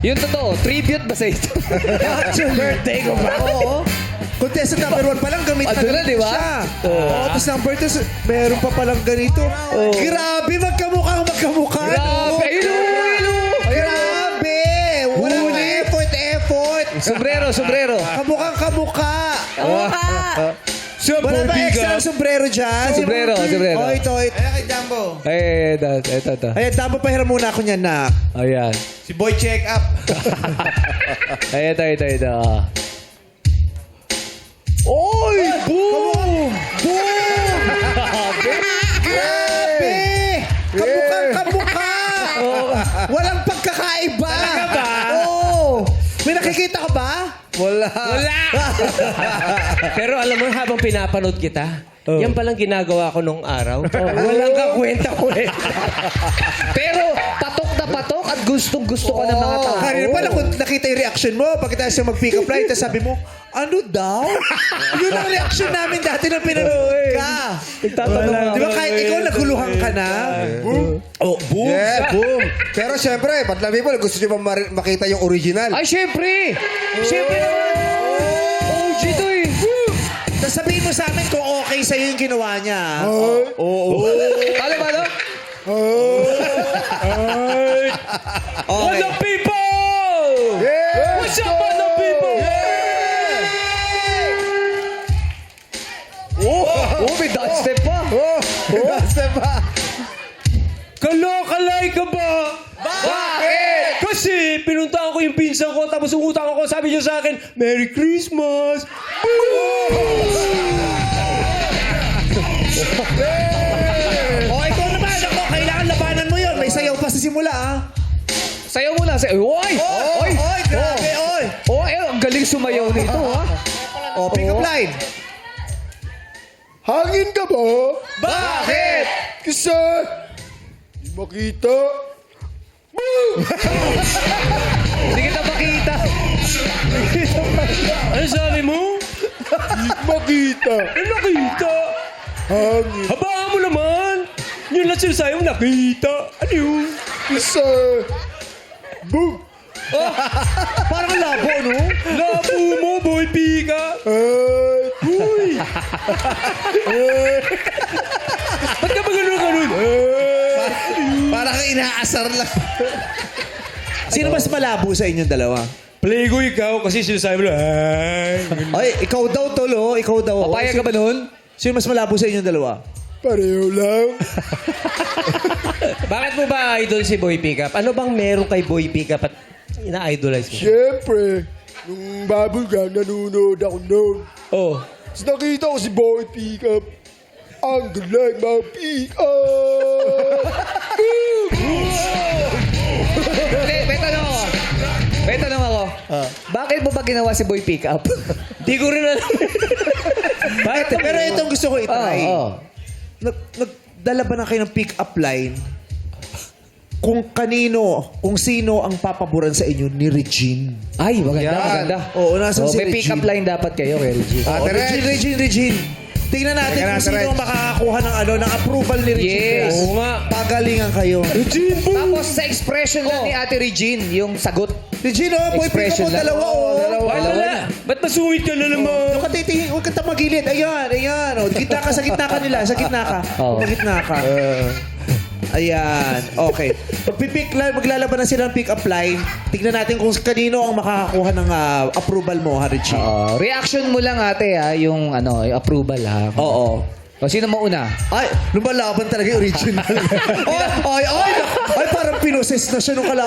Yung totoo, tribute ba sa ito? Actually, birthday ko ba? Oo. Contestant number 1 pa lang, gamit na Ado na, gamit di ba? siya. Oo. Tapos number 2, meron pa palang ganito. Grabe, magkamukha. Grabe! Ayun! Grabe! Walang effort. Sombrero. Kamukhang kamukha. Oo ka. Wala ba extra sombrero dyan? Sombrero. Oh, ito. Ayan kay Jumbo. Ito. Ayan, tama pahiram muna ako niyan, nak. Ayan. Si Boy Check Up. Ay, ito. Oy! Boom! Grabe! Kamukhang kamukha! Walang pagkakaiba! Talaga ba? Oo! May nakikita ka ba? Wala. Pero alam mo, habang pinapanood kita, yan palang ginagawa ko nung araw. Walang kakwenta. Pero patok na patok at gustong-gusto ka ng mga tao. Kanina pala kung nakita yung reaction mo, pagkatapos yung mag-pick up line, tapos sabi mo, ano daw? Yun ang reaction namin dati nung pinanood ka. Di ba kahit ikaw naguluhan ka na? Boom. Oh, boom. Yeah, boom. Pero syempre, Patla people, gusto nyo ba makita yung original? Ay, syempre! Syempre naman! OG to eh! Tapos sabihin mo sa amin kung okay sa'yo yung ginawa niya. Paano? What's up, people? Yeah! What's up, mga people? Oh, may dubstep pa! Basta ba? Kalokalay ka ba? Bakit? Kasi pinuntahan ko yung pinsan ko, tapos umutang ako, sabi niya sa akin, Merry Christmas! Oh, ikaw naman. Ako, kailangan labanan mo yun. May sayaw pa sa simula, ah. Sayaw mo lang. Oy! Oy, grabe, oy. Oy, ang galing sumayaw nito, ha? Oh, pick up line. Hangin ka ba? Bakit? Kasi, di makita. Hindi kita makita. Ano sabi mo? Di makita. Ano nakita? Hangin. Habaan mo naman! Yun lang sinasabi mo, nakita. Ano yun? Kasi, boom. Parang labo, no? Labo mo, boy pika! Ay, Uy! Ba't ka ba ganun? Parang inaasar lang. Sino mas malabo sa inyong dalawa? Play ko ikaw kasi sinasabi mo, ay. Ay, ikaw daw, Tolo. Ikaw daw. Papayag ka ba nun? Sino mas malabo sa inyong dalawa? pareho lang. Bakit mo ba idol si Boy Pickup? Ano bang meron kay Boy Pickup at ina-idolize mo? Siyempre, nung bubblegum, nanonood ako noon. Oh. Tapos nakita ko si Boy Pickup. Ang galing mga pick-up! Hindi, may tanong ako. Bakit mo ba ginawa si Boy Pickup? Di ko rin alam. Bakit? Pero itong gusto ko itry. Oo. Nagdala ba na kayo ng pick-up line kung sino ang papaboran sa inyo ni Regine? Ay, maganda. Oo, nasan si May Regine? pick-up line dapat kayo kay Regine. Oh, Regine. Tingnan natin kung sino ang makakakuha ng approval ni Regine. Yes. Oo nga. Pagalingan kayo. Tapos sa expression lang ni Ate Regine, yung sagot. Regine, boy, pick Expression up mo lang. dalawa, Wala. Ba't masungit ka na naman? Huwag ka titingin, huwag ka tamagilid. Ayan. Oh, sa gitna ka nila. Sa gitna ka. Oo. Sa gitna ka. Ayan. Okay. Maglalaban na sila ng pick-up line. Tignan natin kung kanino ang makakakuha ng approval mo, ha, Regine. Reaction mo lang ate yung yung approval ha. Oo. O sino mo una? Ay, lumalaban talaga yung original. ay, parang pinoses na siya nung kala.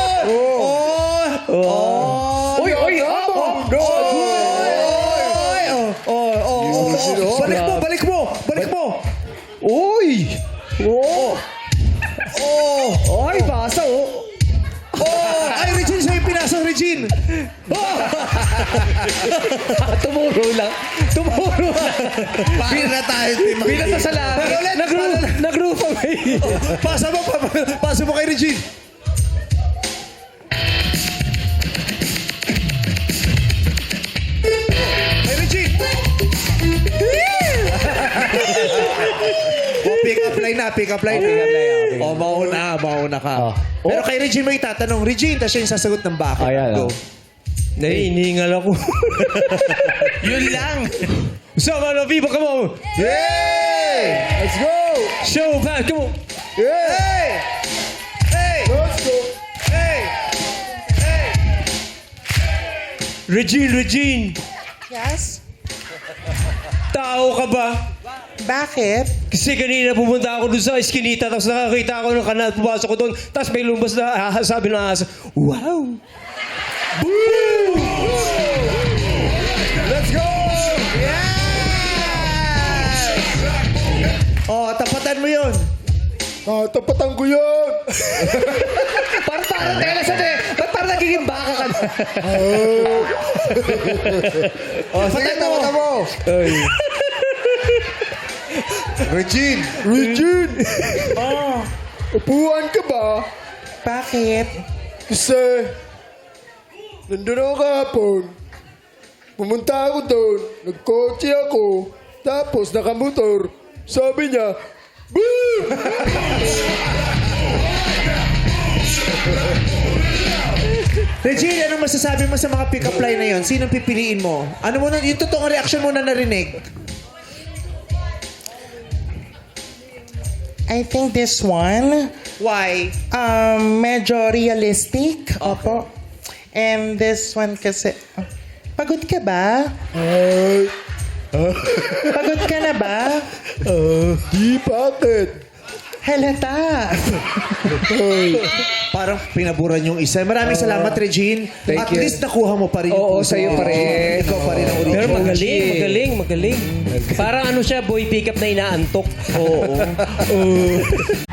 Balik mo. Uy! Ay, basa Ay, Regine, sa'yo pinasok, Regine. Tumuro lang. Paano na tayo, Tim? Binata sa langit. Nag-roof away. Pasa mo kay Regine. Kay Regine. Pick up line na. pick-up line. Oh, mauna ka. Pero kay Regine mo itatanong, Regine, tapos siya yung sasagot ng bakit. Ayan, Go. Naiiningal ako. Yun lang. Sama na, people, come on. Yay! Let's go! Show back, come on. Yeah! Hey! Hey! Let's go! Hey! Hey! Regine. Yes? Tao ka ba? Bakit? Kasi kanina pumunta ako dun sa eskinita tapos nakakita ako ng kanal, pumasok ko doon tapos may lumabas na sabi ng asa, wow! Let's go! Oh, tapatan mo yun. Tapatan ko yan! Parang tela sa ba't parang nagiging baka ka na? Oh, sige, tapatan mo. Regine. Regine! Upuan ka ba? Bakit? Kasi, nandun ako kahapon. Pumunta ako doon, nagkotse ako, tapos nakamotor. Sabi niya, boom! Regine, anong masasabi mo sa mga pick-up line na yun? Sinong pipiliin mo? Ano mo na, yung totoong reaction mo na narinig? I think this one, Why? medyo realistic. Opo. And this one kasi, pagod ka ba? Ay, Pagod ka na ba? di bakit? Halata. Parang pinaburan yung isa. Maraming salamat, Regine. Thank At you. least nakuha mo pa rin. Oo, yung puso. sa'yo pa rin. Ikaw pa rin ang original. Pero magaling. Parang ano siya, boy pickup na inaantok. Oo.